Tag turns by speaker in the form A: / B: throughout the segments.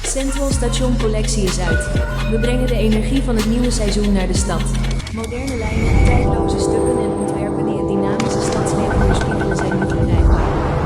A: Central Station Collectie is uit. We brengen de energie van het nieuwe seizoen naar de stad. Moderne lijnen, tijdloze stukken en ontwerpen die het dynamische stadsleven weerspiegelen zijn nu verkrijgbaar.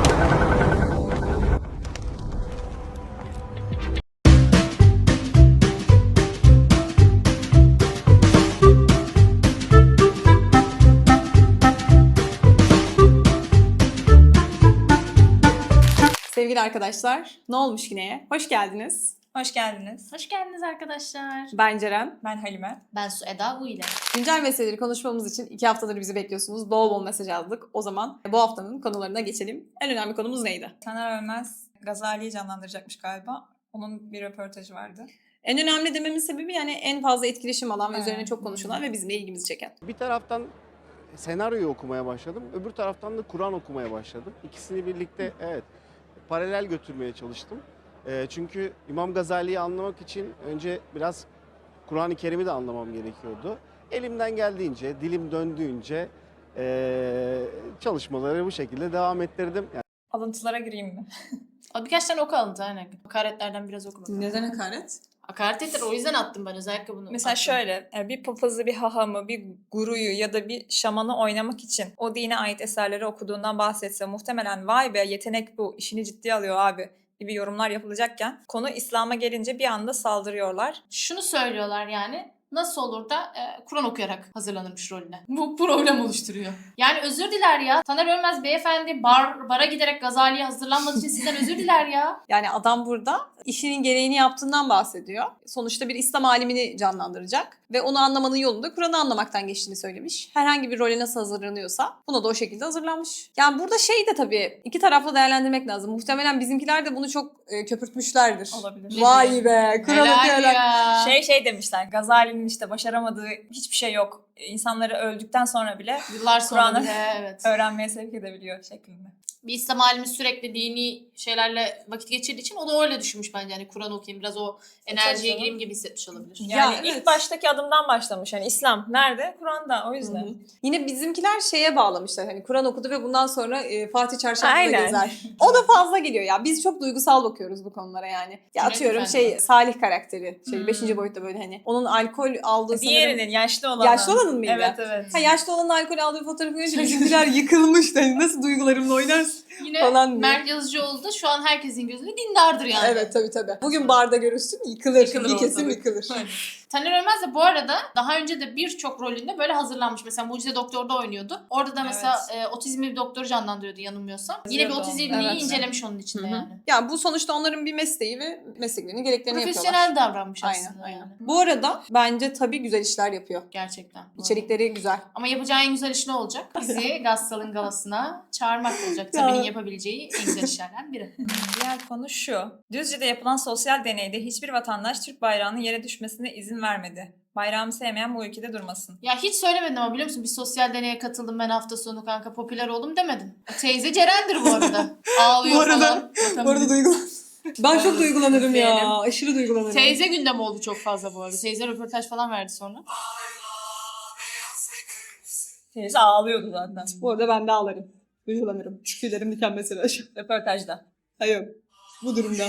B: Sevgili arkadaşlar, ne olmuş yineye? Hoş geldiniz.
C: Hoş geldiniz.
D: Hoş geldiniz arkadaşlar.
B: Ben Ceren.
C: Ben Halime.
D: Ben Su Eda Bu ile.
B: Güncel meseleleri konuşmamız için 2 haftadır bizi bekliyorsunuz. Bol bol mesaj aldık. O zaman bu haftanın konularına geçelim. En önemli konumuz neydi?
C: Taner Ölmez Gazali'yi canlandıracakmış galiba. Onun bir röportajı vardı.
B: En önemli dememin sebebi yani en fazla etkileşim alan ve üzerine
C: Evet.
B: çok konuşulan ve bizim de ilgimizi çeken.
E: Bir taraftan senaryoyu okumaya başladım, öbür taraftan da Kur'an okumaya başladım. İkisini birlikte paralel götürmeye çalıştım. Çünkü İmam Gazali'yi anlamak için önce biraz Kur'an-ı Kerim'i de anlamam gerekiyordu. Elimden geldiğince, dilim döndüğünce çalışmaları bu şekilde devam ettirdim. Yani
C: Alıntılara gireyim mi?
D: Birkaç tane oku alıntı aynen. Hakaretlerden biraz oku bakalım.
B: Neden hakaret?
D: Hakaret ettiler, o yüzden attım ben özellikle bunu.
C: Mesela
D: attım.
C: şöyle, bir papazı, bir hahamı, bir guruyu ya da bir şamanı oynamak için o dine ait eserleri okuduğundan bahsetse muhtemelen vay be yetenek bu, işini ciddiye alıyor abi gibi yorumlar yapılacakken konu İslam'a gelince bir anda saldırıyorlar.
D: Şunu söylüyorlar yani. Nasıl olur da Kur'an okuyarak hazırlanırmış rolüne. Bu problem oluşturuyor. Yani özür diler ya. Taner Ölmez beyefendi bara giderek Gazali'ye hazırlanmadığı için sizden özür diler ya.
B: Yani adam burada işinin gereğini yaptığından bahsediyor. Sonuçta bir İslam alimini canlandıracak ve onu anlamanın yolunda Kur'an'ı anlamaktan geçtiğini söylemiş. Herhangi bir role nasıl hazırlanıyorsa buna da o şekilde hazırlanmış. Yani burada şey de tabii iki taraflı değerlendirmek lazım. Muhtemelen bizimkiler de bunu çok köpürtmüşlerdir.
C: Olabilir.
B: Vay be Kur'an
D: Helal
B: okuyarak.
D: ya.
C: Şey demişler, Gazali'nin işte başaramadığı hiçbir şey yok. İnsanları öldükten sonra bile
D: Yıllar sonra
C: Kur'an'ı
D: bile evet.
C: öğrenmeye sevk edebiliyor şeklinde.
D: Bir İslam alimi sürekli dini şeylerle vakit geçirdiği için o da öyle düşünmüş bence. Yani Kur'an okuyayım biraz o enerjiye
C: canım.
D: gireyim gibi hissetmiş olabilir.
C: Yani
B: Ya,
C: ilk
B: evet.
C: baştaki adımdan başlamış. Yani İslam nerede? Kur'an'da. O yüzden.
B: Hı hı. Yine bizimkiler şeye bağlamışlar. Hani Kur'an okudu ve bundan sonra Fatih Çarşafı'da
C: Aynen.
B: gezer. O da fazla geliyor ya. Biz çok duygusal bakıyoruz bu konulara yani. Ya
D: Cüneyt
B: atıyorum
D: Efendi.
B: Salih karakteri.
D: Hmm.
B: 5. boyutta böyle hani. Onun alkol aldığı sanırım.
C: Diğerinin yaşlı olanı.
B: Yaşlı olanın mıydı?
C: Evet evet.
B: Ha, yaşlı olanın alkol aldığı bir fotoğrafı görünce bizimkiler yıkılmış. Hani nasıl duygularımla oynarsın
D: Yine
B: falan diye.
D: Mert Yazıcıoğlu da şu an herkesin gözünde dindardır yani.
B: Evet tabii. Bugün barda görürsün yıkılır.
D: Yıkılır
B: bir kesim
D: ortalık.
B: yıkılır.
D: Taner Ölmez de bu arada daha önce de birçok rolünde böyle hazırlanmış. Mesela Mucize Doktor'da oynuyordu. Orada da mesela otizmli bir doktoru canlandırıyordu yanılmıyorsam. Yine bir
C: Yazıyordu
D: otizmliği
B: onu. Evet.
D: incelemiş onun içinde
B: Hı hı.
D: yani.
B: Ya bu sonuçta onların bir mesleği ve mesleklerinin gereklerini yapıyorlar.
D: Profesyonel davranmış aslında
B: Aynen.
D: yani.
B: Bu arada bence tabii güzel işler yapıyor.
D: Gerçekten. bu arada.
B: İçerikleri güzel.
D: Ama yapacağı en güzel iş ne olacak? Bizi Gassal'ın galasına çağırmak olacak.
B: Ya.
D: Tabi'nin yapabileceği en güzel işlerden biri.
C: Diğer konu şu. Düzce'de yapılan sosyal deneyde hiçbir vatandaş Türk bayrağının yere düşmesine izin vermedi. Bayrağımı sevmeyen bu ülkede durmasın.
D: Ya hiç söylemedim ama biliyor musun? Bir sosyal deneye katıldım ben hafta sonu kanka. Popüler oldum demedim. Teyze Ceren'dir bu arada. Ağlıyor
B: Bu arada-
D: falan.
B: Bu arada ben çok duygulanırım ya.
C: Benim.
B: Aşırı duygulanırım.
D: Teyze gündem oldu çok fazla bu arada. Teyze röportaj falan verdi sonra.
C: Teyze ağlıyordu zaten.
B: Bu arada ben de ağlarım. Duygulanırım. Tüylerim diken mesela şu.
C: Röportajda.
B: Hayır. Bu durumda.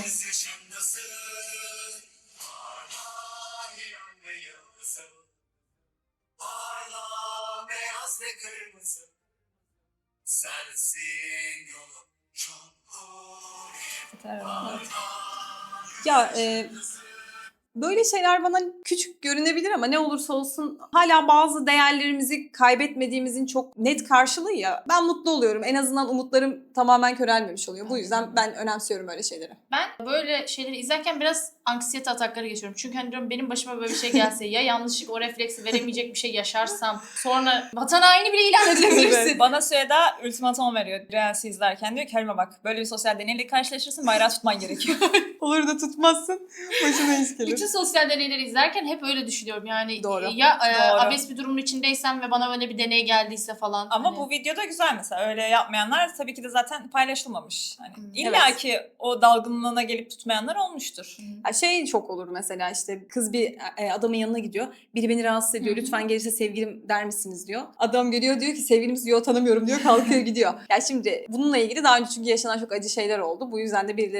B: Ya böyle şeyler bana küçük görünebilir ama ne olursa olsun hala bazı değerlerimizi kaybetmediğimizin çok net karşılığı ya. Ben mutlu oluyorum. En azından umutlarım tamamen körelmemiş oluyor. Bu yüzden ben önemsiyorum öyle şeyleri.
D: Ben böyle şeyleri izlerken biraz anksiyete atakları geçiyorum. Çünkü hani diyorum benim başıma böyle bir şey gelse ya yanlışlık o refleksi veremeyecek bir şey yaşarsam sonra vatan haini bile ilan edilebilirsin.
C: Bana Süheda ultimatom veriyor Reels'i izlerken. Diyor ki Halime bak böyle bir sosyal deneyle karşılaşırsın bayrağı tutman gerekiyor.
B: Olur da tutmazsın. Başına iş gelir.
D: Bütün sosyal deneyleri izlerken hep öyle düşünüyorum. Yani
B: Doğru.
D: ya
C: Doğru.
D: abes bir durumun içindeysem ve bana öyle bir deney geldiyse falan.
C: Ama
D: hani.
C: bu videoda güzel mesela. Öyle yapmayanlar tabii ki de zaten paylaşılmamış. Hani
D: Hmm.
C: İlla ki o dalgınlığına gelip tutmayanlar olmuştur.
B: Ya şey çok olur mesela işte kız bir adamın yanına gidiyor. Biri beni rahatsız ediyor.
D: Hı hı.
B: Lütfen gelirse sevgilim der misiniz diyor. Adam geliyor diyor ki sevgilimiz diyor tanımıyorum diyor. Kalkıyor gidiyor. Ya şimdi bununla ilgili daha önce çünkü yaşanan çok acı şeyler oldu. Bu yüzden de birileri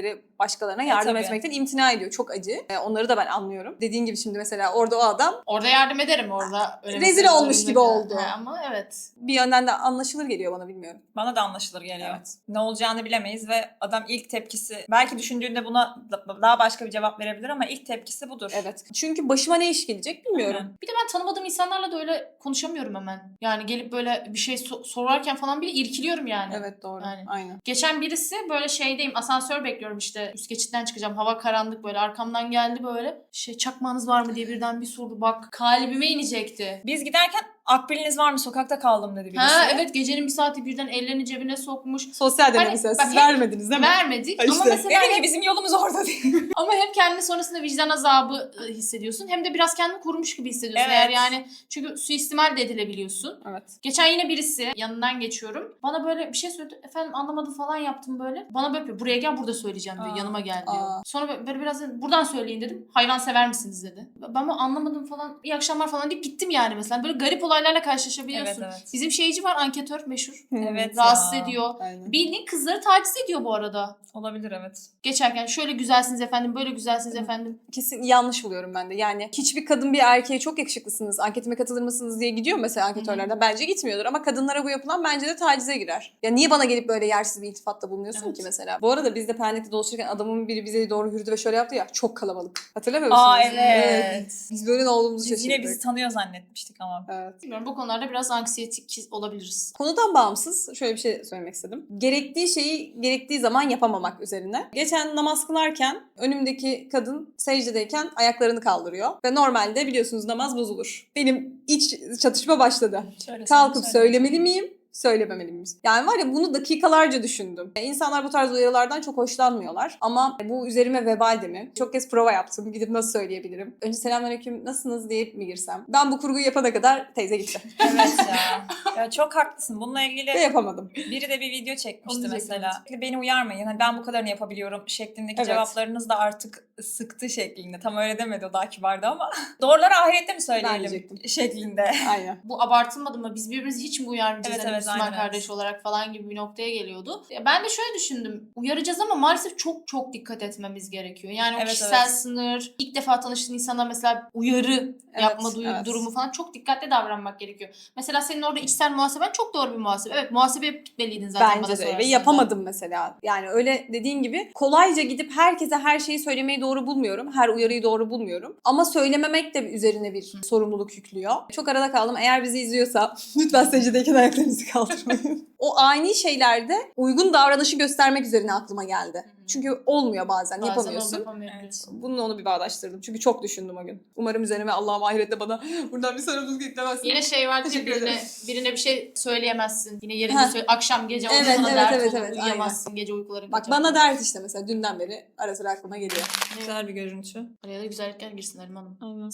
B: başkalarına yardım
C: tabii.
B: etmekten imtina ediyor. Çok acı. Onları da ben anlıyorum. Dediğin gibi şimdi mesela orada o adam
D: Orada yardım ederim orada. Öyle
B: Rezil
D: mesela
B: olmuş
D: zorunda
B: gibi
D: kal-
B: oldu.
D: Ama evet.
B: bir yönden de anlaşılır geliyor bana, bilmiyorum.
C: Bana da anlaşılır geliyor.
B: Evet.
C: Ne olacağını bilemeyiz ve adam ilk tepkisi, belki düşündüğünde buna daha başka bir cevap verebilir ama ilk tepkisi budur.
B: Evet. Çünkü başıma ne iş gelecek bilmiyorum.
C: Aynen.
D: Bir de ben tanımadığım insanlarla da öyle konuşamıyorum hemen. Yani gelip böyle bir şey sorarken falan bile irkiliyorum yani.
B: Evet doğru.
D: Yani.
B: Aynen.
D: Geçen birisi böyle şeydeyim, asansör bekliyorum işte, üst geçitten çıkacağım, hava karanlık, böyle arkamdan geldi böyle çakmağınız var mı diye birden bir sordu, bak kalbime inecekti.
C: Biz giderken akbiliniz var mı, sokakta kaldım dedi birisi.
D: Ha evet, gecenin bir saati birden ellerini cebine sokmuş.
B: Sosyal deney
D: Hani
B: mesela.
D: bak
B: Siz
D: hep
B: vermediniz değil mi?
D: Vermedik
B: Ha işte.
D: ama mesela
C: Dedim ki bizim yolumuz orada değil.
D: ama hem kendini sonrasında vicdan azabı hissediyorsun, hem de biraz kendini korumuş gibi hissediyorsun.
C: Evet.
D: Eğer yani, çünkü suistimal de edilebiliyorsun.
B: Evet.
D: Geçen yine birisi, yanından geçiyorum, bana böyle bir şey söyledi. Efendim anlamadım falan yaptım böyle. Bana böyle yapıyor. Buraya gel, burada söyleyeceğim diyor.
C: Aa,
D: Yanıma gel diyor.
B: aa.
D: Sonra böyle biraz buradan söyleyin dedim. Hayvan sever misiniz dedi. Ben bunu anlamadım falan. İyi akşamlar falan deyip gittim yani mesela. Böyle garip olaylarla karşılaşabiliyorsun.
C: Evet, evet.
D: Bizim şeyci var, anketör meşhur.
C: Evet
D: Rahatsız
C: ya.
D: ediyor.
B: Aynen.
D: Bildiğin kızları taciz ediyor bu arada.
C: Olabilir evet.
D: Geçerken şöyle güzelsiniz efendim, böyle güzelsiniz efendim.
B: Kesin yanlış buluyorum ben de. Yani hiçbir kadın bir erkeğe çok yakışıklısınız, anketime katılır mısınız diye gidiyor mesela anketörlerden. Bence gitmiyordur ama kadınlara bu yapılan bence de tacize girer. Ya niye bana gelip böyle yersiz bir iltifatta bulunuyorsun
D: Evet.
B: ki mesela? Bu arada biz de Pendik'te dolaşırken adamın biri bize doğru yürüdü ve şöyle yaptı ya, çok kalabalık. Hatırlamıyor musunuz?
C: Aa evet.
B: Biz böyle ne olduğumuzu
C: Biz
B: şaşırdık.
C: yine bizi tanıyor zannetmiştik ama.
B: Evet.
D: Bilmiyorum, bu konularda biraz anksiyetik olabiliriz.
B: Konudan bağımsız şöyle bir şey söylemek istedim. Gerektiği şeyi gerektiği zaman yapamamak üzerine. Geçen namaz kılarken önümdeki kadın secdedeyken ayaklarını kaldırıyor. Ve normalde biliyorsunuz namaz bozulur. Benim iç çatışma başladı. Kalkıp söylemeli miyim? Söylememeli miyiz? Yani var ya, bunu dakikalarca düşündüm. İnsanlar bu tarz uyarılardan çok hoşlanmıyorlar. Ama bu üzerime vebal de mi? Çok kez prova yaptım. Gidip nasıl söyleyebilirim? Önce selamünaleyküm, nasılsınız deyip mi girsem? Ben bu kurguyu yapana kadar teyze gitti.
C: Evet ya. Ya çok haklısın. Bununla
B: Ve
C: ilgili
B: yapamadım.
C: biri de bir video çekmişti
D: Onu
C: mesela. Beni uyarmayın. Hani ben bu kadarını yapabiliyorum şeklindeki
B: Evet.
C: cevaplarınız da artık sıktı şeklinde. Tam öyle demedi, o daha kibardı ama. Doğruları ahirette mi
B: Ben
C: söyleyelim
B: diyecektim.
C: şeklinde.
B: Aynen.
D: Bu abartılmadı mı? Biz birbirimizi hiç mi uyarmayacağız?
C: Evet,
D: Hani
C: evet,
D: Müslüman
C: aynen,
D: kardeş olarak falan gibi bir noktaya geliyordu. Ya ben de şöyle düşündüm. Uyaracağız ama maalesef çok çok dikkat etmemiz gerekiyor. Yani o
C: Evet,
D: kişisel
C: evet.
D: sınır, ilk defa tanıştığın insana mesela uyarı yapma
B: evet.
D: durumu falan çok dikkatli davranmak gerekiyor. Mesela senin orada içsel muhaseben çok doğru bir muhasebe. Evet, muhasebeye gitmeliydin zaten bana
B: Bence de
D: sorarsan
B: ve
D: da.
B: yapamadım mesela. Yani öyle dediğin gibi kolayca gidip herkese her şeyi söylemeyi doğru bulmuyorum. Her uyarıyı doğru bulmuyorum. Ama söylememek de üzerine bir sorumluluk yüklüyor. Çok arada kaldım. Eğer bizi izliyorsa lütfen secdedeyken ayaklarınızı kaldırmayın. O ani şeylerde uygun davranışı göstermek üzerine aklıma geldi. Çünkü olmuyor bazen
D: Bazen
B: yapamıyorsun.
D: onu yapamıyorsun.
B: Bununla onu bir bağdaştırdım. Çünkü çok düşündüm o gün. Umarım üzerime Allah'ım ahirette bana buradan bir sorumluluk yüklemezsin.
D: Yine şey vardı ya,
B: Teşekkür ederim.
D: birine bir şey söyleyemezsin. Yine yerinde
B: Ha.
D: akşam gece oldu
B: Evet,
D: sana
B: evet,
D: dert
B: evet,
D: olur,
B: evet,
D: uyuyamazsın, gece uykuların
B: Bak
D: kaçar.
B: bana dert işte mesela dünden beri ara sıra aklıma geliyor.
C: Güzel bir görüntü.
D: Araya da güzellikler girsin Halim Hanım.
C: Aynen.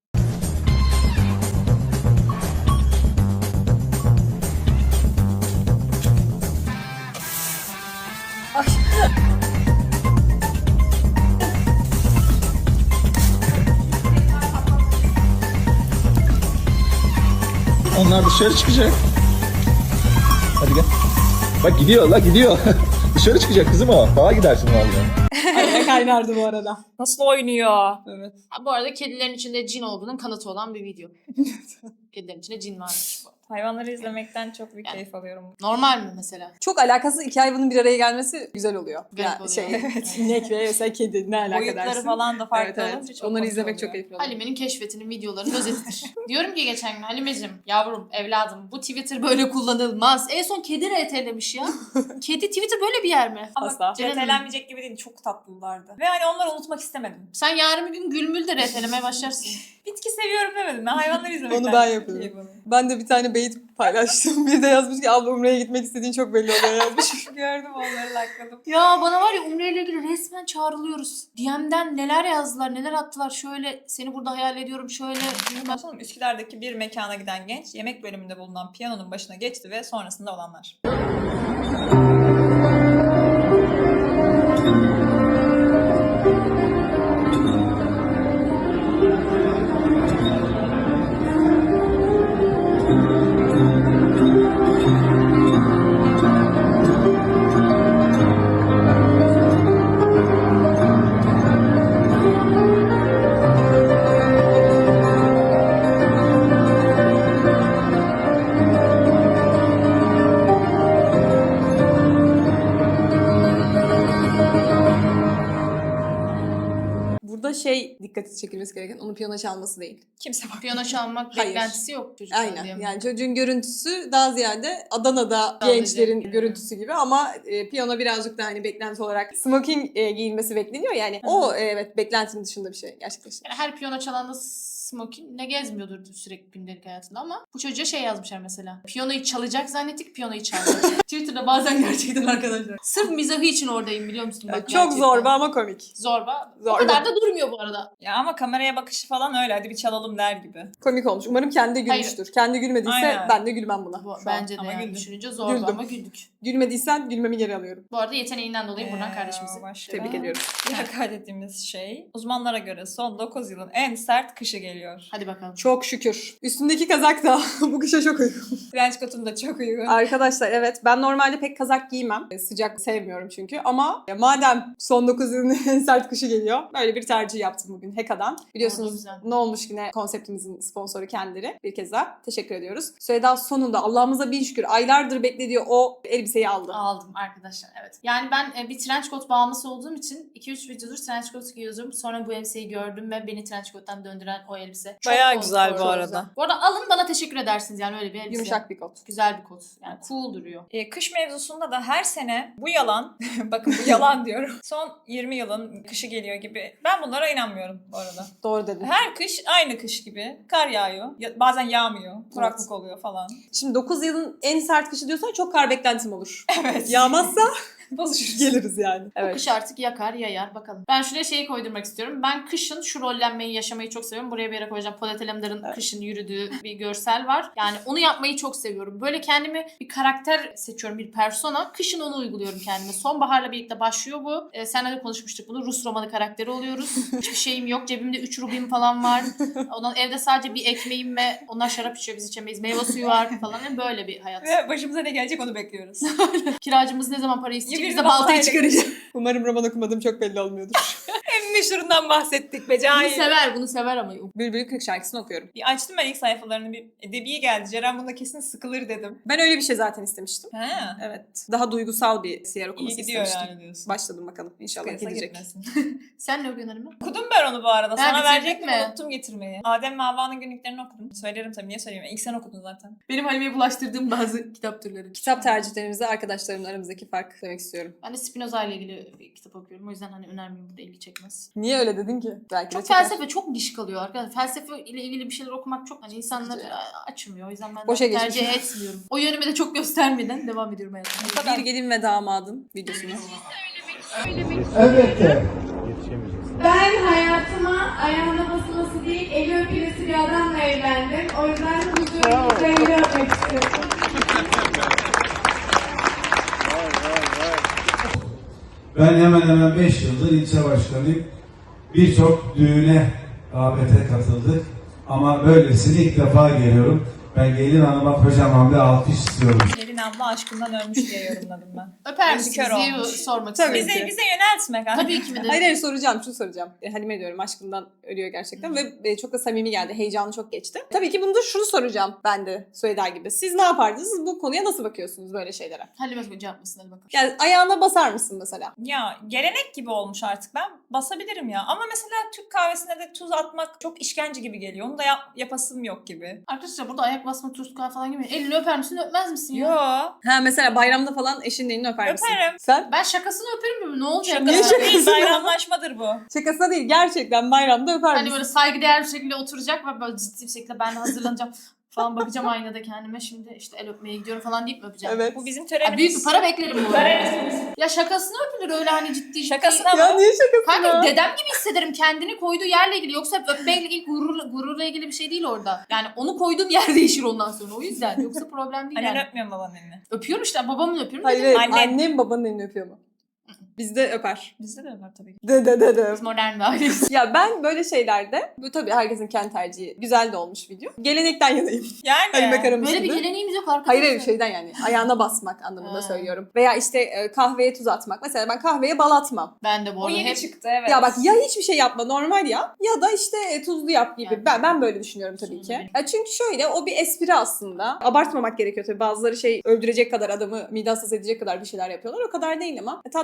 F: Onlar dışarı çıkacak. Hadi gel. Bak gidiyor la gidiyor. Dışarı çıkacak kızım o. Dağa gidersin vallahi.
B: Araya kaynardı bu arada.
C: Nasıl oynuyor?
B: Evet.
D: Ha, bu arada kedilerin içinde cin olduğunun kanıtı olan bir video. Kedilerin içinde cin varmış bu arada.
C: Hayvanları izlemekten çok büyük
D: Yani.
C: keyif alıyorum.
D: Normal mi mesela?
B: Çok alakasız iki hayvanın bir araya gelmesi güzel oluyor.
D: Garip oluyor.
B: Evet. İnek ve mesela kedi ne alaka
C: Boyutları
B: dersin?
C: falan da farklı
B: Evet,
C: olunca
B: evet.
C: çok
B: Onları
C: komik
B: izlemek
C: oluyor.
B: çok keyifli oluyor.
D: Halime'nin keşfetinin videolarının özetidir. Diyorum ki geçen gün, Halimeciğim, yavrum, evladım, bu Twitter böyle kullanılmaz. En son kedi RT'lemiş ya. Kedi Twitter böyle bir yer mi?
C: Ama
B: Asla.
C: RT'lenmeyecek gibi değil. Çok tatlılardı. Ve hani onları unutmak istemedim.
D: Sen yarın bir gün Gülmül de RT'lemeye başlarsın.
C: Bitki seviyorum demedim. Ben hayvanları izlemekten
B: Onu ben
C: çok
B: yapıyorum.
C: keyif alıyorum.
B: Ben de bir tane beyit paylaştım. Bir de yazmış ki abla Umre'ye gitmek istediğin çok belli oluyor yazmış.
C: Gördüm onları lakladım.
D: Ya bana var ya, Umre ile ilgili resmen çağrılıyoruz. DM'den neler yazdılar, neler attılar. Şöyle seni burada hayal ediyorum, şöyle.
C: Sonra Üsküdar'daki bir mekana giden genç yemek bölümünde bulunan piyanonun başına geçti ve sonrasında olanlar.
B: Burada dikkati çekilmesi gereken onun piyano çalması değil.
C: Kimse bak.
D: Piyano çalmak
B: Hayır.
D: beklentisi yok çocuktan
B: Aynen.
D: diye mi?
B: Yani çocuğun görüntüsü daha ziyade Adana'da
D: Anlayacak.
B: gençlerin görüntüsü gibi ama piyano birazcık da hani beklenti olarak smoking giyilmesi bekleniyor yani. O evet beklentinin dışında bir şey gerçekten.
D: Yani her piyano çalan da smokingle gezmiyordur sürekli gündelik hayatında ama bu çocuğa yazmışlar mesela. Piyanoyu çalacak zannettik, piyanoyu çaldı. Twitter'da bazen gerçekten arkadaşlar. Sırf mizahı için oradayım biliyor musun? Bak,
B: Çok
D: gerçekten.
B: zorba ama komik.
D: Zorba. O
B: Zorba.
D: kadar da durmuyor bu arada.
C: Ya ama kameraya bakışı falan öyle. Hadi bir çalalım der gibi.
B: Komik olmuş. Umarım kendi gülmüştür. Kendi gülmediyse
C: Aynen.
B: ben de gülmem buna.
D: Bu,
B: şu an.
D: bence de
C: Ama
D: yani
C: güldüm.
D: düşününce zorba
B: Güldüm.
D: ama güldük.
B: Gülmediysen gülmemi geri alıyorum.
D: Bu arada yeteneğinden dolayı buradan kardeşimizi
C: başka.
B: Tebrik ediyorum.
C: Bir hakaret ettiğimiz şey. Uzmanlara göre son 9 yılın en sert kışı geliyor.
D: Hadi bakalım.
B: Çok şükür. Üstümdeki kazak da bu kışa çok uygun.
C: Trench coat'un da çok uygun.
B: Arkadaşlar evet ben normalde pek kazak giymem. Sıcak sevmiyorum çünkü ama madem son 9 yılın en sert kışı geliyor böyle bir tercih yaptım bugün Heka'dan.
D: Oldu
B: Biliyorsunuz
D: güzel.
B: ne olmuş yine konseptimizin sponsoru kendileri. Bir kez daha teşekkür ediyoruz. Süheyda sonunda Allah'ımıza bin şükür aylardır beklediği o elbiseyi aldı.
D: Aldım arkadaşlar evet. Yani ben bir trench coat bağımlısı olduğum için 2-3 videodur trench coat giyiyordum. Sonra bu elbiseyi gördüm ve beni trench coat'tan döndüren o elbise. Çok
C: Bayağı
D: konforlu.
C: güzel bu
D: Çok
C: arada.
D: güzel. Bu arada alın bana teşekkür edersiniz yani öyle bir elbise.
B: Yumuşak bir kot.
D: Güzel bir kot. Yani cool duruyor.
C: Kış mevzusunda da her sene bu yalan, bakın bu yalan diyorum. Son 20 yılın kışı geliyor gibi. Ben bunlara inanmıyorum bu arada.
B: Doğru dedin.
C: Her kış aynı kış gibi. Kar yağıyor. Bazen yağmıyor. Kuraklık oluyor falan.
B: Şimdi 9 yılın en sert kışı diyorsan çok kar beklentim olur.
C: Evet.
B: Yağmazsa
C: Bozuşuruz.
B: geliriz yani.
D: Bu
B: Evet.
D: kış artık yakar yayar bakalım. Ben şuraya koydurmak istiyorum. Ben kışın şu rollenmeyi yaşamayı çok seviyorum. Buraya bir yere koyacağım. Polat Alemdar'ın kışın yürüdüğü bir görsel var. Yani onu yapmayı çok seviyorum. Böyle kendime bir karakter seçiyorum. Bir persona. Kışın onu uyguluyorum kendime. Sonbaharla birlikte başlıyor bu. Seninle de konuşmuştuk bunu. Rus romanı karakteri oluyoruz. Hiçbir şeyim yok. Cebimde 3 rubim falan var. Ondan evde sadece bir ekmeğim ve onlar şarap içiyor. Biz içemeyiz. Meyve suyu var falan. Yani böyle bir hayat.
C: Ve başımıza ne gelecek onu bekliyoruz.
D: Kiracımız ne zaman parayı isteyecek?
C: Bir
D: Bize
C: de
D: baltayı
C: baltayla
D: çıkaracak.
B: Umarım roman okumadığım çok belli olmuyordur.
C: En meşhurundan bahsettik be
D: Bunu
C: cahil.
D: sever. Bunu sever ama.
B: Bülbül Kırk şarkısını okuyorum.
C: Bir açtım ben ilk sayfalarını, bir edebi geldi. Ceren bunda kesin sıkılır dedim.
B: Ben öyle bir şey zaten istemiştim.
C: He.
B: Evet. Daha duygusal bir siyer
C: İyi
B: okuması
C: gidiyor
B: istemiştim.
C: yani diyorsun.
B: Başladım bakalım. İnşallah
C: Sıkıysa
B: gidecek.
C: gitmesin.
D: Sen ne okuyorsun Halime?
C: Okudum ben onu bu arada. Sana
D: bitirdin
C: verecektim,
D: mi?
C: unuttum getirmeyi. Adem ve Havva'nın günlüklerini okudum. Söylerim tabii, niye söyleyeyim? İlk sen okudun zaten.
D: Benim Halime'ye bulaştırdığım bazı kitap türleri.
B: Kitap tercihlerimizde arkadaşlarımla aramızdaki fark demek istiyorum.
D: Ben de Spinoza ile ilgili bir kitap okuyorum. O yüzden hani önermeyeyim, burada ilgi çekmez.
B: Niye öyle dedin ki? Belki
D: Çok
B: de çeker.
D: felsefe, çok niş kalıyor arkadaşlar. Felsefe ile ilgili bir şeyler okumak çok hani insanları
B: Sıkıcı.
D: açmıyor. O yüzden ben
B: Boşa
D: de tercih
B: geçmiş.
D: etmiyorum. O yönümü de çok göstermeden devam ediyorum hayatıma.
B: Bir gelin ve damadın videosunu.
G: Elbette.
H: Ben hayatıma ayağına basılması değil, eli öpülesi bir adamla evlendim. O yüzden huzurunuzda eli öpmek istiyorum.
G: Ben hemen hemen 5 yıldır ilçe başkanıyım. Birçok düğüne, davete katıldık. Ama böylesini ilk defa geliyorum. Ben gelin hanıma kocaman bir alkış istiyorum.
C: Gelin abla aşkından ölmüş diye yorumladım ben.
D: Öper
C: Gözü
D: misiniz
C: kör
D: diye
C: olmuş.
D: sormak
B: Tabii.
D: istedim.
C: Bize yöneltme kanka.
D: Tabii ki mi de?
B: Hayır soracağım. Şunu soracağım. Halime diyorum aşkından ölüyor gerçekten ve çok da samimi geldi. Heyecanı çok geçti. Tabii ki bunu da şunu soracağım ben de Süheyda gibi. Siz ne yapardınız? Bu konuya nasıl bakıyorsunuz böyle şeylere?
D: Halime cevap mısın? Hadi bakalım.
B: Yani ayağına basar mısın mesela?
C: Ya gelenek gibi olmuş artık, ben basabilirim ya. Ama mesela Türk kahvesine de tuz atmak çok işkence gibi geliyor. Onu da yapasım yok gibi.
D: Arkadaşlar burada ayak basma, turska falan gibi. Elini öper misin, öpmez misin ya?
C: Yo.
B: Ha mesela bayramda falan eşinin elini öper misin?
C: Öperim.
B: Sen?
D: Ben şakasını öperim mi? Ne olacak?
B: Niye
C: Şakası değil,
B: şakası ya?
C: bayramlaşmadır bu.
B: Şakasına değil gerçekten bayramda öper
D: Hani
B: misin?
D: böyle saygıdeğer bir şekilde oturacak ve böyle ciddi bir şekilde ben de hazırlanacağım falan, bakacağım aynada kendime, şimdi işte el öpmeye gidiyorum falan deyip mi öpeceğim?
B: Evet.
C: Bu bizim
D: Ya
C: törenimiz.
D: büyük bir para beklerim bu arada. Ya şakasına öpülür öyle hani ciddi.
C: Şakasına
B: Ya
C: mı?
B: niye şakası
D: Kanka
B: ya?
D: dedem gibi hissederim kendini koyduğu yerle ilgili. Yoksa öpmeyle ilgili gururla ilgili bir şey değil orada. Yani onu koyduğum yer değişir ondan sonra. O yüzden. Yoksa problem değil
C: Annen
D: yani.
C: öpmüyor mu babanın elini?
D: Öpüyorum işte, babamın öpüyorum.
B: Hayır,
D: Dedim.
B: hayır.
C: Annem.
B: Annem babanın elini öpüyor mu? Bizde öper.
C: Bizde de öper tabii ki.
B: De.
D: Biz modern bir aileyiz.
B: Ya ben böyle şeylerde, bu tabii herkesin kendi tercihi, güzel de olmuş video. Gelenekten yanayım.
C: Yani.
D: Böyle bir geleneğimiz yok arkadaşlar.
B: Hayır hayır şeyden yani ayağına basmak anlamında
D: Ha.
B: söylüyorum. Veya işte kahveye tuz atmak. Mesela ben kahveye bal atmam.
D: Ben de bu
C: O
D: arada
C: yeni
D: hep
C: çıktı evet.
B: Ya bak ya hiçbir şey yapma normal ya ya da işte tuzlu yap gibi.
D: Yani.
B: Ben böyle düşünüyorum tabii ki.
D: Düşünüyorum.
B: Ya çünkü şöyle o bir espri aslında. Abartmamak gerekiyor tabii. Bazıları öldürecek kadar adamı mide hassas edecek kadar bir şeyler yapıyorlar. O kadar değil ama tatlı bir espri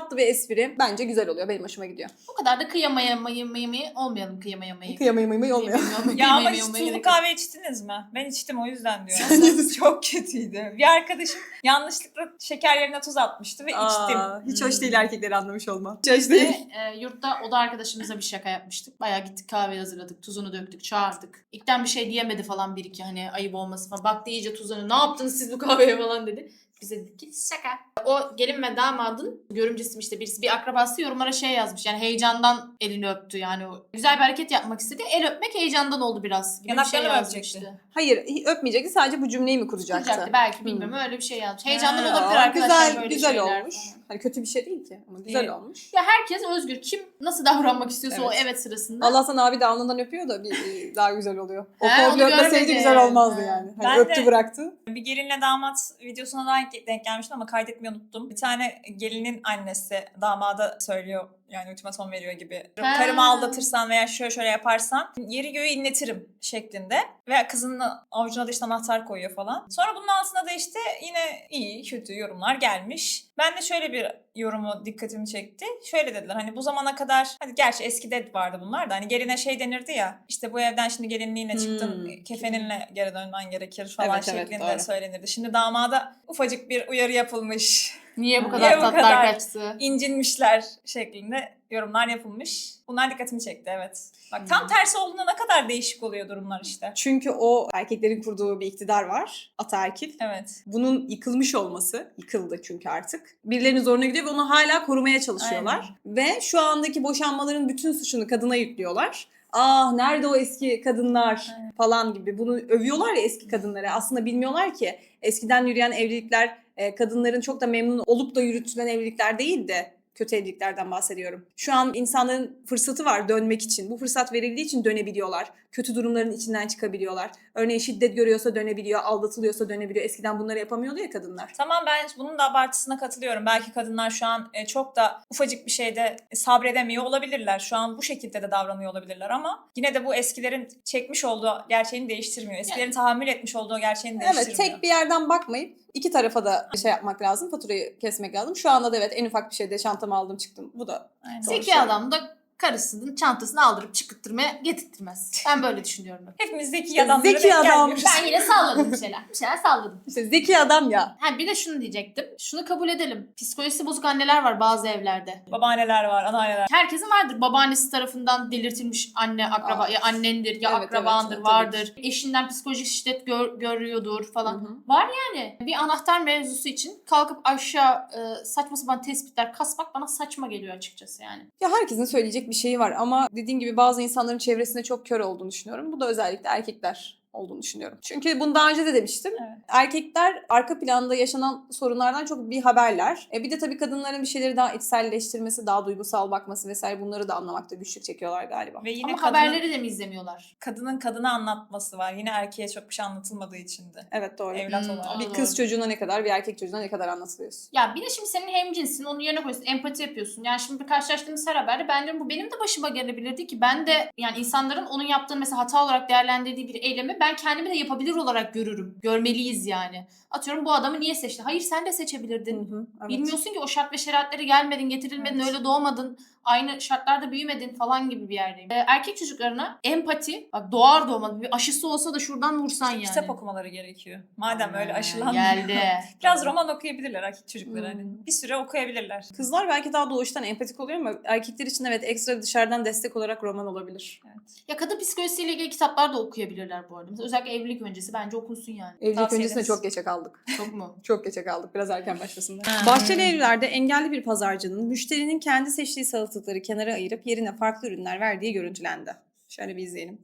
B: espri bence güzel oluyor. Benim hoşuma gidiyor.
D: O kadar da kıyamayamayı olmayalım kıyamayamayı.
B: Kıyamayı olmuyor.
C: Ya ama hiç tuzlu kahve içtiniz mi? Ben içtim o yüzden diyorum. Çok kötüydü. Bir arkadaşım yanlışlıkla şeker yerine tuz atmıştı ve içtim.
B: Hiç hoş değil erkekleri anlamış olma. Hiç
D: Biz
B: hoş değil.
D: de yurtta oda arkadaşımıza bir şaka yapmıştık. Bayağı gittik kahve hazırladık. Tuzunu döktük, çağırdık. İlkten bir şey diyemedi falan bir iki hani ayıp olması falan. Baktı iyice tuzunu. Ne yaptınız siz bu kahveye falan dedi. Bize dedik ki şaka. O gelin ve damadın görümcesi işte birisi bir akrabası yorumlara şey yazmış. Yani heyecandan elini öptü yani. O güzel bir hareket yapmak istedi. El öpmek heyecandan oldu biraz. Gibi bir
C: Yanaklarını mı
D: yazmıştı.
C: öpecekti?
B: Hayır öpmeyecekti, sadece bu cümleyi mi kuracaktı?
D: Kuracaktı belki bilmiyorum öyle bir şey yazmış. Heyecandan
C: Ha,
D: olabilir arkadaşlar
B: Güzel,
D: böyle
B: güzel
D: şeyler
B: olmuş.
D: falan.
B: Hani kötü bir şey değil ki ama güzel olmuş.
D: Ya herkes özgür. Kim nasıl davranmak istiyorsa o
B: Evet.
D: evet sırasında.
B: Allah'tan abi de alnından öpüyor da bir daha güzel oluyor. O
D: He,
B: komple
D: onu
B: öpmeseydi
D: görmedim.
B: güzel olmazdı yani. Hani
C: Ben
B: öptü
C: de-
B: bıraktı.
C: Bir gelinle damat videosuna da denk gelmiştim ama kaydetmeyi unuttum. Bir tane gelinin annesi damada söylüyor yani ultimatom veriyor gibi.
D: Ha.
C: Karımı aldatırsan veya şöyle şöyle yaparsan yeri göğü inletirim şeklinde. Ve kızının avucuna da işte anahtar koyuyor falan. Sonra bunun altına da işte yine iyi kötü yorumlar gelmiş. Ben de şöyle bir yorumu dikkatimi çekti. Şöyle dediler hani bu zamana kadar hadi gerçi eskide vardı bunlar da hani geline şey denirdi ya işte bu evden şimdi gelinliğine çıktın kefeninle geri dönmen gerekir falan
B: Evet, evet,
C: şeklinde
B: doğru.
C: söylenirdi. Şimdi damada ufacık bir uyarı yapılmış.
D: Niye bu
C: Niye
D: kadar
C: bu
D: tatlar
C: kadar?
D: kaçtı?
C: İncinmişler şeklinde yorumlar yapılmış. Bunlar dikkatimi çekti evet. Bak tam tersi olduğunda ne kadar değişik oluyor durumlar işte.
B: Çünkü o erkeklerin kurduğu bir iktidar var. Ataerkil.
C: Evet.
B: Bunun yıkılmış olması, yıkıldı çünkü artık. Birilerinin zoruna gidiyor ve onu hala korumaya çalışıyorlar. Ve şu andaki boşanmaların bütün suçunu kadına yüklüyorlar. Ah nerede o eski kadınlar falan gibi. Bunu övüyorlar ya eski kadınları. Aslında bilmiyorlar ki eskiden yürüyen evlilikler kadınların çok da memnun olup da yürütülen evlilikler değil de kötü evliliklerden bahsediyorum. Şu an insanların fırsatı var dönmek için. Bu fırsat verildiği için dönebiliyorlar. Kötü durumların içinden çıkabiliyorlar. Örneğin şiddet görüyorsa dönebiliyor, aldatılıyorsa dönebiliyor. Eskiden bunları yapamıyordu ya kadınlar.
C: Tamam ben bunun da abartısına katılıyorum. Belki kadınlar şu an çok da ufacık bir şeyde sabredemiyor olabilirler. Şu an bu şekilde de davranıyor olabilirler ama yine de bu eskilerin çekmiş olduğu gerçeğini değiştirmiyor. Eskilerin tahammül etmiş olduğu gerçeğini değiştirmiyor.
B: Evet, tek bir yerden bakmayıp iki tarafa da şey yapmak lazım, faturayı kesmek lazım. Şu anda da evet en ufak bir şeyde çantamı aldım çıktım. Bu da
C: Aynen.
D: Zeki adam da karısının çantasını aldırıp çıkıttırmaya getirtmez. Ben böyle düşünüyorum.
C: Hepimiz zeki
B: İşte
C: adamları
B: zeki
C: denk
B: adam.
C: gelmiyoruz.
D: Ben yine salladım bir şeyler. Bir şeyler salladım.
B: işte zeki adam ya.
D: Ha bir de şunu diyecektim. Şunu kabul edelim. Psikolojisi bozuk anneler var bazı evlerde.
C: Babaanneler var, anneanneler.
D: Herkesin vardır. Babaannesi tarafından delirtilmiş anne, akraba,
B: Aa.
D: ya annendir ya
B: Evet,
D: akrabandır,
B: evet,
D: vardır. Eşinden psikolojik şiddet görüyordur falan.
B: Hı hı.
D: Var yani. Bir anahtar mevzusu için kalkıp aşağı saçma sapan tespitler kasmak bana saçma geliyor açıkçası yani.
B: Ya herkesin söyleyecek bir şeyi var ama dediğim gibi bazı insanların çevresinde çok kör olduğunu düşünüyorum. Bu da özellikle erkekler olduğunu düşünüyorum. Çünkü bunu daha önce de demiştim.
C: Evet.
B: Erkekler arka planda yaşanan sorunlardan çok bir haberler. Bir de tabii kadınların bir şeyleri daha içselleştirmesi, daha duygusal bakması vesaire bunları da anlamakta güçlük çekiyorlar galiba.
C: Ve yine
D: Ama
C: kadının,
D: haberleri de mi izlemiyorlar?
C: kadının kadına anlatması var. Yine erkeğe çok bir şey anlatılmadığı için de.
B: Evet doğru.
C: Evlat
D: Hmm,
C: olarak.
B: Bir
D: doğru.
B: kız çocuğuna ne kadar, bir erkek çocuğuna ne kadar anlatılıyorsun.
D: Ya bir de şimdi senin hemcinsin, onun yerine koyuyorsun, empati yapıyorsun. Yani şimdi bir karşılaştığımız her haberde ben diyorum bu benim de başıma gelebilirdi ki ben de yani insanların onun yaptığını mesela hata olarak değerlendirdiği bir eylemi ben kendimi de yapabilir olarak görürüm. Görmeliyiz yani. Atıyorum bu adamı niye seçti? Hayır sen de seçebilirdin.
B: Evet.
D: Bilmiyorsun ki o şart ve şeriatlere gelmedin, getirilmedin,
C: Evet.
D: öyle doğmadın. Aynı şartlarda büyümedin falan gibi bir yerdeyim. Erkek çocuklarına empati, bak doğar doğmadı bir aşısı olsa da şuradan vursan yani.
C: Kitap okumaları gerekiyor. Madem öyle
D: Ha,
C: aşılanmıyor.
D: geldi.
C: Biraz roman okuyabilirler erkek çocukları. Hani.
B: Hmm.
C: Bir süre okuyabilirler.
B: Kızlar belki daha doğuştan empatik oluyor ama erkekler için evet ekstra dışarıdan destek olarak roman olabilir.
D: Ya kadın psikolojisiyle ilgili kitaplar da okuyabilirler bu arada. Mesela özellikle evlilik öncesi bence okunsun yani.
B: Evlilik
C: Tavsiye
B: öncesinde
C: ederiz.
B: çok geçe kaldık.
D: Çok mu?
B: Çok geçe kaldık. Biraz erken başlasınlar.
C: Ha.
B: Bahçeli evlerde engelli bir pazarcının müşterinin kendi seçtiği salatalıkları kenara ayırıp yerine farklı ürünler verdiği görüntülendi. Şöyle bir izleyelim.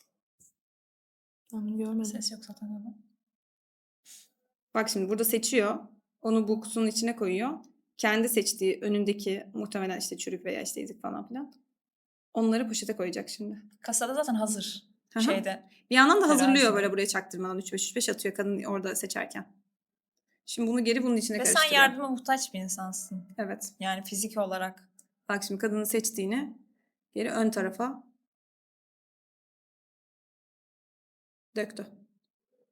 B: Onu görmedim.
C: Ses yok zaten ama.
B: Bak şimdi burada seçiyor. Onu bu kutunun içine koyuyor. Kendi seçtiği önündeki muhtemelen işte çürük veya işte ezik falan filan. Onları poşete koyacak şimdi.
C: Kasada zaten hazır.
B: Hı hı.
C: Şeyde.
B: Bir yandan da hazırlıyor
C: Terazide.
B: böyle buraya çaktırmadan 3-5 atıyor kadın orada seçerken. Şimdi bunu geri bunun içine
C: Ve sen
B: karıştırıyor.
C: yardıma muhtaç bir insansın.
B: Evet.
C: Yani fizik olarak.
B: Bak şimdi kadının seçtiğini geri ön tarafa döktü.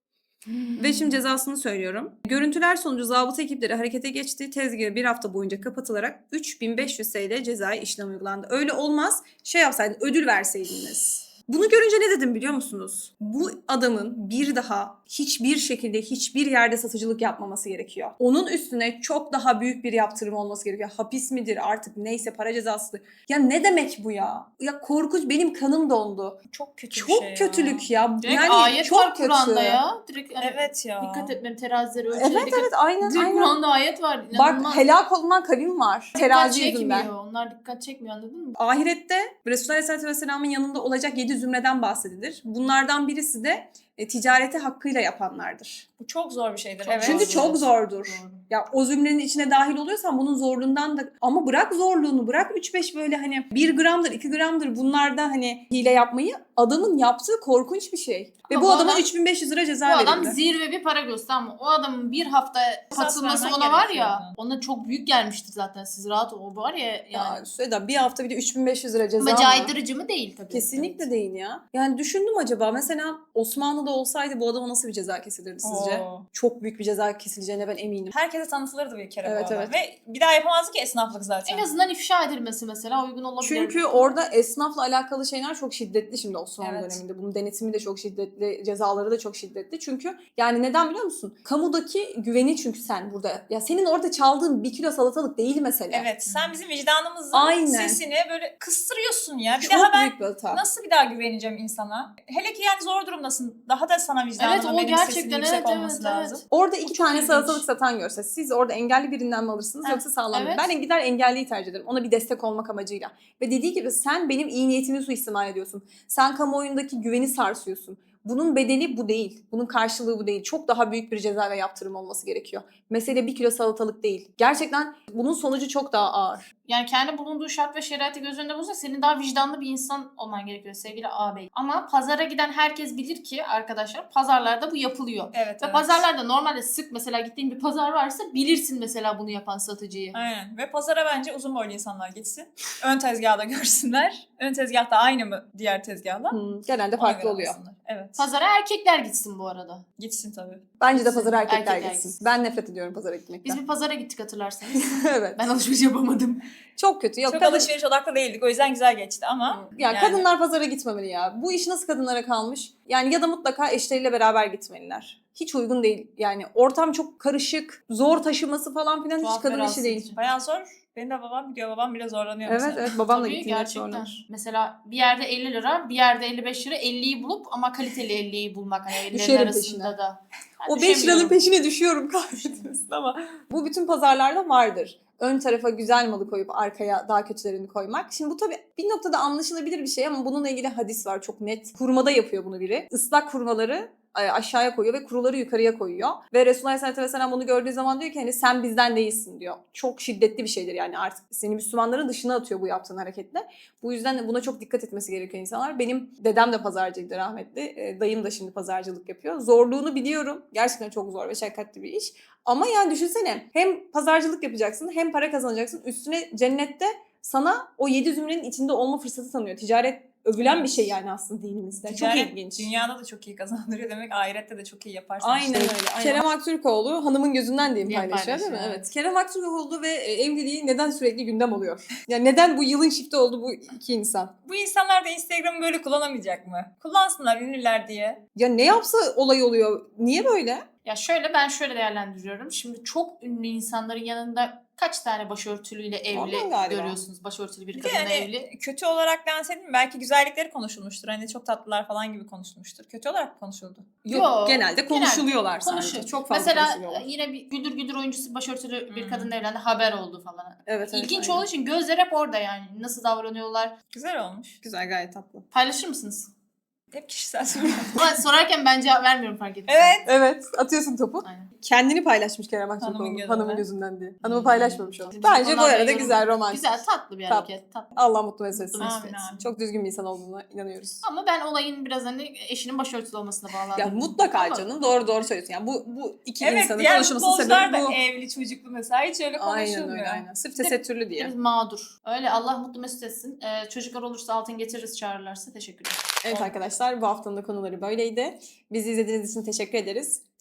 B: Ve şimdi cezasını söylüyorum. Görüntüler sonucu zabıta ekipleri harekete geçti. Tezgahı bir hafta boyunca kapatılarak 3500 TL cezai işlem uygulandı. Öyle olmaz. Şey yapsaydın, ödül verseydiniz. Bunu görünce ne dedim biliyor musunuz? Bu adamın bir daha hiçbir şekilde hiçbir yerde satıcılık yapmaması gerekiyor. Onun üstüne çok daha büyük bir yaptırım olması gerekiyor. Hapis midir artık neyse, para cezası. Ya ne demek bu ya? Ya korkunç, benim kanım dondu.
C: Çok kötü bir
B: Çok
C: şey
B: kötülük ya.
D: Direkt
B: Yani
D: ayet
B: çok
D: var
B: kötü.
D: Kur'an'da ya. Direkt hani
C: Evet ya.
D: dikkat etmem, terazileri ölçüleri
B: Evet
D: dikkat.
B: evet aynen
D: Direkt
B: aynen.
D: Kur'an'da ayet var.
B: Bak
D: İnanılmaz.
B: helak olunan kavim var.
D: Dikkat
B: Terazi
D: çekmiyor.
B: yüzünden.
D: Onlar dikkat çekmiyor, anladın mı?
B: Ahirette Resulullah Aleyhisselatü Vesselam'ın yanında olacak 7 zümreden bahsedilir. Bunlardan birisi de ticareti hakkıyla yapanlardır.
C: Bu çok zor bir şeydir.
D: Evet.
B: Çünkü
D: Doğru.
B: çok zordur.
D: Doğru.
B: Ya o zümrenin içine dahil oluyorsan bunun zorluğundan da, ama bırak zorluğunu, bırak 3-5 böyle hani 1 gramdır 2 gramdır bunlarda hani hile yapmayı, adamın yaptığı korkunç bir şey. Ve
D: Ama
B: bu
D: bu
B: adama
D: adam-
B: 3500 lira ceza
D: Bu adam
B: verildi.
D: zirve bir para göster ama o adamın bir hafta katılması
C: vermen
D: ona var
C: gerekiyor
D: ya,
C: ona.
D: ona çok büyük gelmiştir zaten, siz rahat ol. O var ya yani.
B: Ya Süheyda, bir hafta bir de 3500 lira ceza
D: Ama
B: mı?
D: caydırıcı mı değil tabii.
B: Kesinlikle
D: Evet.
B: değil ya. Yani düşündüm, acaba mesela Osmanlı'da olsaydı bu adama nasıl bir ceza kesilirdi sizce?
C: Oo.
B: Çok büyük bir ceza kesileceğine ben eminim.
C: Herkese tanıtılırdı bir kere
B: Evet,
C: bu adam.
B: evet.
C: Ve bir daha yapamazdı ki esnaflık zaten.
D: En azından ifşa edilmesi mesela uygun olabilir.
B: Çünkü orada esnafla alakalı şeyler çok şiddetli şimdi Osmanlı
C: Evet.
B: döneminde. Bunun denetimi de çok şiddetli, cezaları da çok şiddetli. Çünkü yani neden biliyor musun? Kamudaki güveni, çünkü sen burada. Ya senin orada çaldığın 1 kilo salatalık değil mesele.
C: Evet, sen bizim vicdanımızın
B: Aynen.
C: sesini böyle kıstırıyorsun ya. Bir
B: Çok
C: daha ben
B: büyük bir hata.
C: nasıl bir daha güveneceğim insana? Hele ki yani zor durumdasın. Daha da sana vicdanının
D: Evet, o
C: benim
D: gerçekten,
C: sesinin yüksek
D: evet,
C: olması
D: evet,
C: lazım.
D: evet.
B: Orada 2
D: çok
B: tane
D: ilginç.
B: salatalık satan görse siz orada engelli birinden mi alırsınız
C: Heh,
B: yoksa sağlam mı?
D: evet.
B: Ben gider engelliyi tercih ederim. Ona bir destek olmak amacıyla. Ve dediği gibi sen benim iyi niyetimi suistimal ediyorsun. Sen kamuoyundaki güveni sarsıyorsun. Bunun bedeli bu değil. Bunun karşılığı bu değil. Çok daha büyük bir ceza ve yaptırım olması gerekiyor. Mesele 1 kilo salatalık değil. Gerçekten bunun sonucu çok daha ağır.
D: Yani kendi bulunduğu şart ve şeraiti göz önünde bulursa senin daha vicdanlı bir insan olman gerekiyor sevgili ağabey. Ama pazara giden herkes bilir ki arkadaşlar, pazarlarda bu yapılıyor.
C: Evet,
D: Ve
C: evet.
D: pazarlarda normalde sık mesela gittiğin bir pazar varsa bilirsin mesela bunu yapan satıcıyı.
C: Aynen. Ve pazara bence uzun boylu insanlar gitsin. Ön tezgahda görsünler. Ön tezgahta aynı mı diğer tezgahla?
B: Genelde
C: Ona
B: farklı
C: göre
B: oluyor.
C: alsınlar. Evet.
D: Pazara erkekler gitsin bu arada.
C: Gitsin tabii.
B: Bence de pazara erkekler
D: Erkekler
B: gitsin.
D: gitsin.
B: Ben nefret ediyorum pazara gitmekten.
D: Biz bir pazara gittik hatırlarsanız.
B: Evet.
D: Ben alışveriş yapamadım.
B: Çok kötü. Yok,
C: Çok
B: kadın-
C: alışveriş odaklı değildik. O yüzden güzel geçti ama.
B: Ya
C: yani
B: kadınlar pazara gitmemeli ya. Bu iş nasıl kadınlara kalmış? Yani ya da mutlaka eşleriyle beraber gitmeliler. Hiç uygun değil. Yani ortam çok karışık, zor taşıması falan filan hiç
D: Tuhaf ve
B: kadın işi
D: rahatsız
B: değil.
D: edici.
C: bayağı zor. Benim de babam gidiyor. Babam bile zorlanıyor
B: Evet
C: mesela.
B: evet, babamla
D: Tabii
B: gittiğimde
D: gerçekten.
B: zorlanır.
D: Mesela bir yerde 50 lira, bir yerde 55 lira, 50'yi bulup ama kaliteli 50'yi bulmak. Hani 50'lerin
B: Düşerim
D: arasında
B: peşine.
D: da. Ben
B: O 5 liranın
D: düşemiyorum.
B: peşine düşüyorum kahretmesin ama bu bütün pazarlarda vardır. Ön tarafa güzel malı koyup arkaya daha kötülerini koymak. Şimdi bu tabii bir noktada anlaşılabilir bir şey ama bununla ilgili hadis var çok net. Kurmada yapıyor bunu biri. Islak kurmaları aşağıya koyuyor ve kuruları yukarıya koyuyor. Ve Resulullah Aleyhisselatü Vesselam bunu gördüğü zaman diyor ki hani sen bizden değilsin diyor. Çok şiddetli bir şeydir yani, artık seni Müslümanların dışına atıyor bu yaptığın hareketle. Bu yüzden de buna çok dikkat etmesi gerekiyor insanlar. Benim dedem de pazarcıydı rahmetli. Dayım da şimdi pazarcılık yapıyor. Zorluğunu biliyorum. Gerçekten çok zor ve şakkatli bir iş. Ama yani düşünsene, hem pazarcılık yapacaksın hem para kazanacaksın. Üstüne cennette sana o 7 zümrenin içinde olma fırsatı tanıyor. Ticaret övülen bir şey yani aslında dinimizde.
C: Ticaret
B: çok ilginç.
C: Dünyada da çok iyi kazandırıyor demek. Ahirette de çok iyi yaparsın.
B: Aynen
C: işte.
B: öyle. Aynen. Kerem Aktürkoğlu hanımın gözünden diyeyim
D: Diye
B: paylaşıyor değil mi?
D: paylaşıyor,
B: Evet. Kerem Aktürkoğlu ve evliliği neden sürekli gündem oluyor? Yani neden bu yılın çifti oldu bu iki insan?
C: Bu insanlar da Instagram'ı böyle kullanamayacak mı? Kullansınlar ünlüler diye.
B: Ya ne yapsa olay oluyor. Niye böyle?
D: Ya şöyle, ben şöyle değerlendiriyorum. Şimdi çok ünlü insanların yanında kaç tane başörtülüyle evli
B: Ondan galiba.
D: görüyorsunuz? Başörtülü bir
C: Bir de
D: kadınla
C: hani
D: evli.
C: kötü olarak lanse edeyim mi? Belki güzellikleri konuşulmuştur. Hani çok tatlılar falan gibi konuşulmuştur. Kötü olarak mı konuşuldu?
D: Yok,
B: genelde konuşuluyorlar
D: konuşuyor.
B: sadece. Çok fazla
D: Mesela
B: konuşuluyorlar.
D: yine bir güldür güldür oyuncusu başörtülü bir
C: Hmm.
D: kadınla evlendi, haber oldu falan.
B: Evet, evet,
D: İlginç
B: aynen.
D: olduğu için gözler hep orada yani. Nasıl davranıyorlar?
C: Güzel olmuş.
B: Güzel, gayet tatlı.
D: Paylaşır mısınız?
C: Hep kişisel sorular.
D: Ama sorarken ben cevap vermiyorum, fark ettim.
C: Evet.
B: Evet, atıyorsun topu.
D: Aynen.
B: Kendini paylaşmış Kerem
C: Hanımın
B: Aktürkoğlu.
C: gözünden.
B: Hanımın gözünden diye. Hanımı
D: Hmm.
B: paylaşmamış o.
D: Bizim
B: Bence bu
D: konularda
B: arada
D: yorum-
B: güzel, romantik.
D: Güzel, tatlı bir
B: Tatlı.
D: hareket. Tatlı.
B: Allah mutlu mesut etsin.
D: Mutlu mesut
C: Amin,
D: etsin.
C: amin.
B: Çok düzgün bir insan olduğuna inanıyoruz.
D: Ama ben olayın biraz hani eşinin başörtülü olmasına bağlandım.
B: Ya mutlaka
D: Ama-
B: canım, doğru söylüyorsun. Yani bu iki
C: Evet,
B: insanın
C: diğer
B: konuşmasının
C: futbolcular
B: sebebi
C: da
B: bu.
C: evli çocuklu mesela. Hiç öyle
B: Aynen
C: konuşulmuyor.
B: öyle, aynen. Sırf tesettürlü diye.
D: Biz mağdur. Öyle, Allah mutlu mesut etsin. Çocuklar olursa altın getiririz, çağırırlarsa. Teşekkürler.
B: Evet arkadaşlar, bu haftanın da konuları böyleydi. Bizi izlediğiniz için teşekkür ederiz.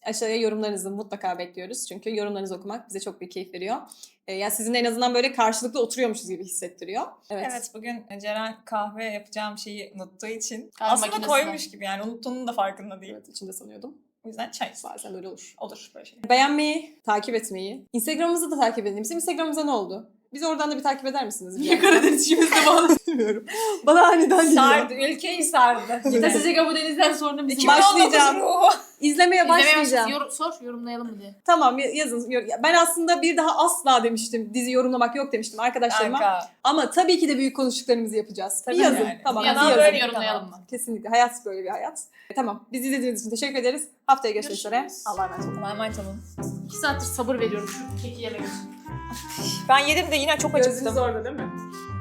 B: Aşağıya yorumlarınızı mutlaka bekliyoruz. Çünkü yorumlarınızı okumak bize çok büyük keyif veriyor. Yani sizinle en azından böyle karşılıklı oturuyormuşuz gibi hissettiriyor.
C: Evet, bugün Ceren kahve yapacağım şeyi unuttuğu için
D: Kahve
C: aslında
D: makinesine.
C: koymuş gibi, yani unuttuğunun da farkında değil.
B: Evet, içinde sanıyordum.
C: O yüzden çay.
B: Bazen öyle olur.
C: Olur böyle şey.
B: Beğenmeyi, takip etmeyi, Instagram'ımızı da takip edin. Bizim Instagram'ımıza ne oldu? Bizi oradan da bir takip eder misiniz?
D: Niye Karadeniz işimizde bağlı?
B: Bilmiyorum. Bana aniden geliyor.
C: Sardı, ülkeyi sardı.
D: Gitasice Abodeniz'den sonra bizim
C: 2019
B: Başlayacağım.
C: ruhu.
B: İzlemeye başlayacağım.
D: Sor yorumlayalım mı diye.
B: Tamam yazın. Ben aslında bir daha asla demiştim. Dizi yorumlamak yok demiştim arkadaşlarıma.
C: Kanka.
B: Ama tabii ki de büyük konuştuklarımızı yapacağız.
C: Tabii
B: bir yazın.
C: yani.
B: Tamam.
D: Bir
B: bir
D: yandan
B: yazın.
D: böyle yorumlayalım mı?
B: Kesinlikle. Hayat böyle bir hayat. Tamam. Bizi izlediğiniz için teşekkür ederiz. Haftaya görüşmek üzere.
D: Görüşürüz.
B: Allah'a emanet olun.
C: Allah'a emanet olun.
D: 2 saattir sabır veriyorum şu keki yemek için.
C: Ben yedim de yine çok acıktım.
B: orada değil mi?